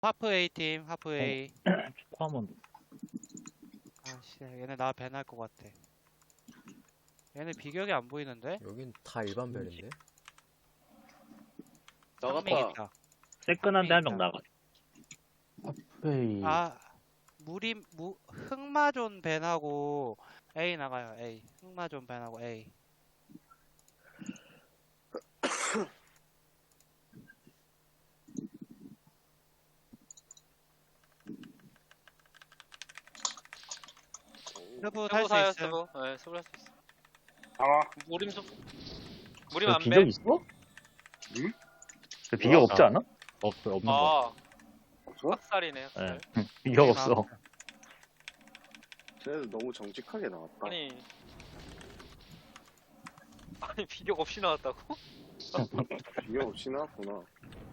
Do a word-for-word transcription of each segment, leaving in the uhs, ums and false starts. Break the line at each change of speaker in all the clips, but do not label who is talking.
하프 A 팀, 하프 A.
코 한번
아씨, 얘네 나 밴할 것 같아. 얘네 비격이 안 보이는데?
여긴 다 일반 벨인데?
한 명
나갔다.
있다.
새끈한데 한 명
있다.
나가. 에이.
아, 무리 무 흑마존 밴하고 A 나가요. A. 흑마존 밴하고 A. 스부 탈 수
스부사요
있음.
스부. 네, 스부 할 수 있어.
아,
무림 스 무림
그
안
비격
배.
있어?
응?
그 비격 없지 않아? 없 없는 거.
아,
없어?
학살이네.
예.
학살.
비격 없어.
쟤 너무 정직하게 나왔다.
아니, 아니 비격 없이 나왔다고?
이게 없이 나왔구나.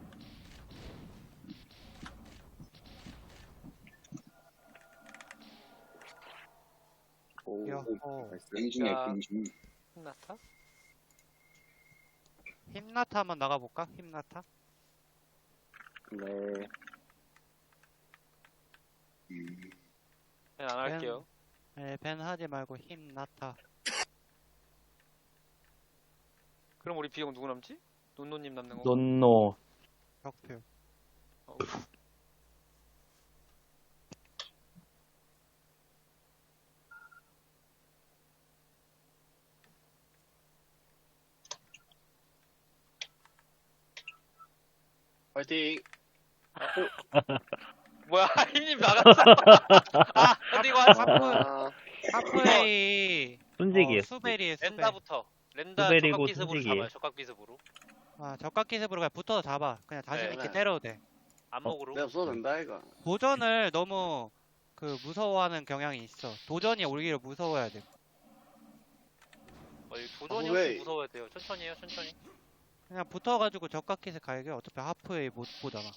오,
야,
오,
어.
나이스.
갱신이야
야.
갱신.
끝났다.
힘나타 한번 나가볼까? 힘나타?
네.
음.
네, 안 할게요.
네, 밴 하지 말고 힘나타.
그럼 우리 비격 누구 남지? 논노님 남는 거.
논노.
격표.
어.
파이팅!
뭐야, 힘님 나갔어. 아, 어디 가?
아,
하프 A.
순직이에요.
어, 수벨이에요, 수벨.
렌다부터. 렌다
수벨이고
적각 기습으로
순직이에요.
잡아요. 적각 기습으로.
아, 적각 기습으로 그냥 붙어서 잡아. 그냥 자신
네,
있게
네.
때려도 돼.
안목으로.
내가 써도 된다, 이거.
도전을 너무 그 무서워하는 경향이 있어. 도전이 오히려 무서워야 돼.
어, 이 도전이
아, 왜?
혹시 무서워야 돼요. 천천히 해요, 천천히.
그냥 붙어가지고 적각 기습 갈겨. 어차피 하프 A 못 보잖아.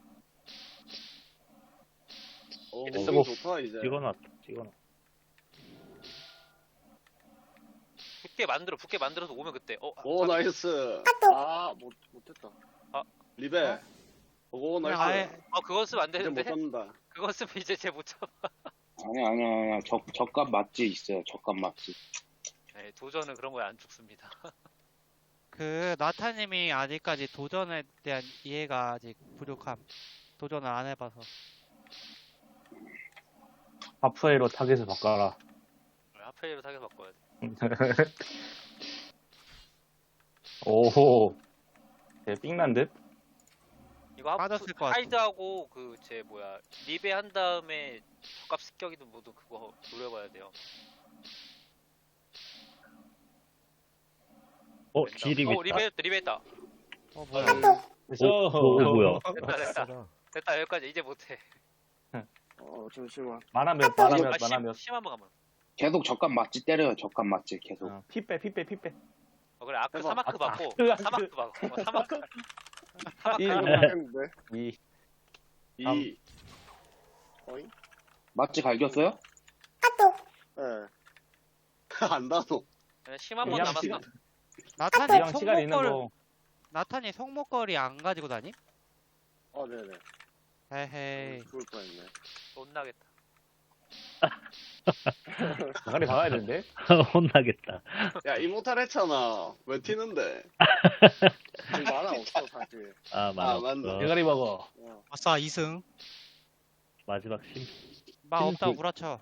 오,
이제
너무
쓰고.
좋다, 이제.
찍어놨. 찍어놨.
붙게 만들어, 붙게 만들어서 오면 그때. 어,
오,
자-
나이스. 아, 못, 못했다.
아.
리베. 오,
그냥
나이스.
아예
어, 그건 쓰면 안
이제 못
되는데.
잡는다.
그건 쓰면 이제 쟤 못 잡아.
아니야 아니야 아니야 적 적값 맛지 있어요. 적값 맛지.
네, 도전은 그런 거에 안 죽습니다.
그 나타님이 아직까지 도전에 대한 이해가 아직 부족함. 도전을 안 해봐서.
하프에로 타겟을 바꿔라.
하프웨이로 타겟 바꿔야 돼.
오호. 쟤 삥난 듯?
이거 하프,
빠졌을 것 같아.
하이드하고 그 제 뭐야 리베 한 다음에 적값 습격이든 뭐든 그거 노려봐야 돼요.
어,
렌다.
지립
어,
있다.
리베 했다, 리베 했다.
어, 뭐야.
오, 오, 오, 뭐야.
됐다, 됐다.
진짜.
됐다, 여기까지. 이제 못해.
어, 잠시만.
만화 몇, 만화 몇,
아,
만화 몇.
심, 심한 번 가면.
계속 적값 맛지 때려요. 적값 맛지 계속.
어, 피 빼, 피 빼, 피 빼.
어, 그래, 아크
해봐.
사마크
아크,
받고.
아크, 아크.
사마크 받고. 어, 사마크.
일,
이거
사마크.
했는데.
이.
이. 어이?
맛지 갈겼어요?
예. 안 나노.
그냥 심한 번
그냥
남았어.
시간,
나탄이
그냥 시간 있는
손목걸
거.
나탄이 손목걸이 안 가지고 다니?
어, 네네.
에헤이.
죽을 뻔했네.
혼나겠다.
가리 박아야 되는데? 혼나겠다.
야, 이모탈 했잖아. 왜 튀는데? 지금 만화 없어, 사실.
아, 맞아.
아, 맞네.
대가리 먹어.
어.
아싸, 이 승.
마지막 심.
마 없다,
그-
구라쳐.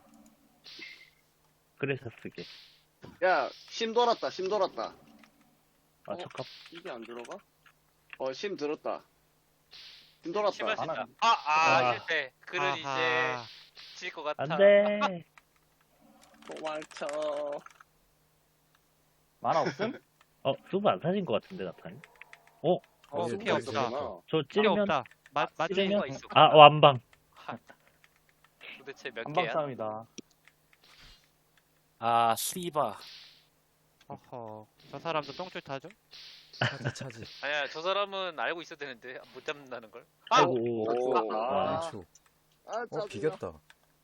그래서 쓰게.
야, 심 돌았다, 심 돌았다.
아,
어?
적합.
이게 안 들어가? 어, 심 들었다. 심 돌았다.
심할 수
하나-
있다. 아, 아,
아.
실패. 그는
아하.
이제 질 것 같아.
안 돼.
도망쳐.
만화 없음? 어, 수브 안 사신 것 같은데, 나타니? 어?
어,
네,
피
네,
없다.
네.
저
필요
찌르면?
없다. 맞,
아,
맞지?
찌르면-
찌르면?
있어.
아, 완방.
하, 도대체 몇
완방
개야?
싸움이다.
아, 씨바.
어허. 저 사람도 똥줄 타죠?
차지 차지.
아니야, 저 사람은 알고 있어야 되는데 못 잡는다는 걸.
아이고.
오.
와.
아,
초.
아,
어
짜증나.
비겼다.